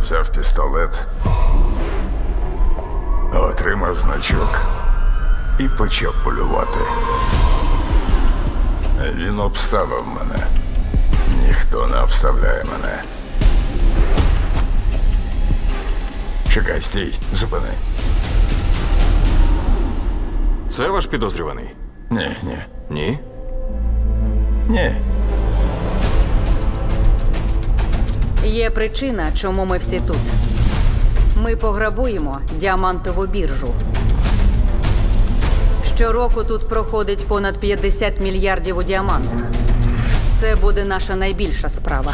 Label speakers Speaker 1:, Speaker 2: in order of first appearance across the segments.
Speaker 1: взяв пістолет, отримав значок і почав полювати. Він обставив мене. Ніхто не обставляє мене. Чекай, стій, зупини.
Speaker 2: Це ваш підозрюваний?
Speaker 1: Ні.
Speaker 2: Ні?
Speaker 1: Ні.
Speaker 3: Є причина, чому ми всі тут. Ми пограбуємо діамантову біржу. Щороку тут проходить понад 50 мільярдів у діамантах. Це буде наша найбільша справа.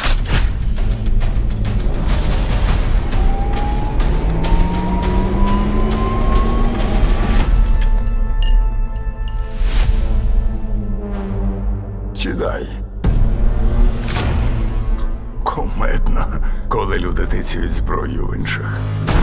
Speaker 1: Чидай. Кумедно, коли люди тицюють зброю в інших.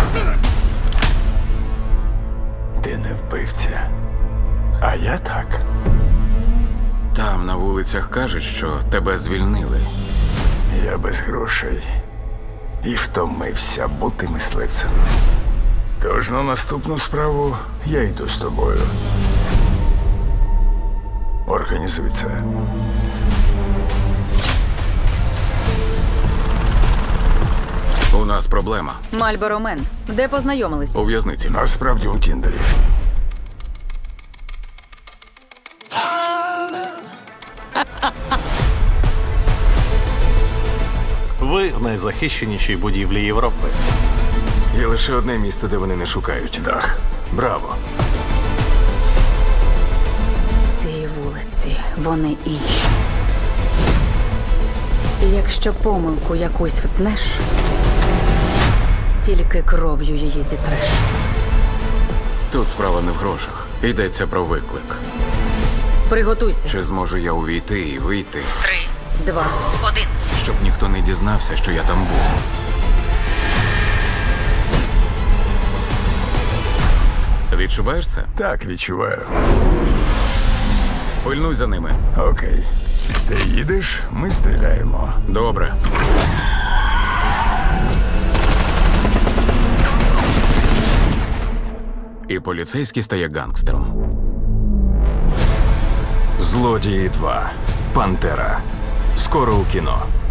Speaker 1: Ти не вбивця. А я так.
Speaker 4: Там на вулицях кажуть, що тебе звільнили.
Speaker 1: Я без грошей і втомився бути мисливцем. Тож на наступну справу я йду з тобою. Організуй це.
Speaker 4: У нас проблема.
Speaker 3: Мальборо Мен. Де познайомились?
Speaker 4: У в'язниці.
Speaker 1: Насправді у Тіндері.
Speaker 5: Ви в найзахищенішій будівлі Європи.
Speaker 2: Є лише одне місце, де вони не шукають.
Speaker 1: Дах.
Speaker 2: Браво.
Speaker 3: Ці вулиці, вони інші. І якщо помилку якусь втнеш, тільки кров'ю її зітреш.
Speaker 4: Тут справа не в грошах. Йдеться про виклик.
Speaker 3: Приготуйся.
Speaker 4: Чи зможу я увійти і вийти,
Speaker 3: 3, 2, 1.
Speaker 4: щоб ніхто не дізнався, що я там був? Відчуваєш це?
Speaker 1: Так, відчуваю.
Speaker 4: Пильнуй за ними.
Speaker 1: Окей. Ти їдеш, ми стріляємо.
Speaker 4: Добре. І поліцейський стає гангстером.
Speaker 2: Злодії 2. Пантера. Скоро у кіно.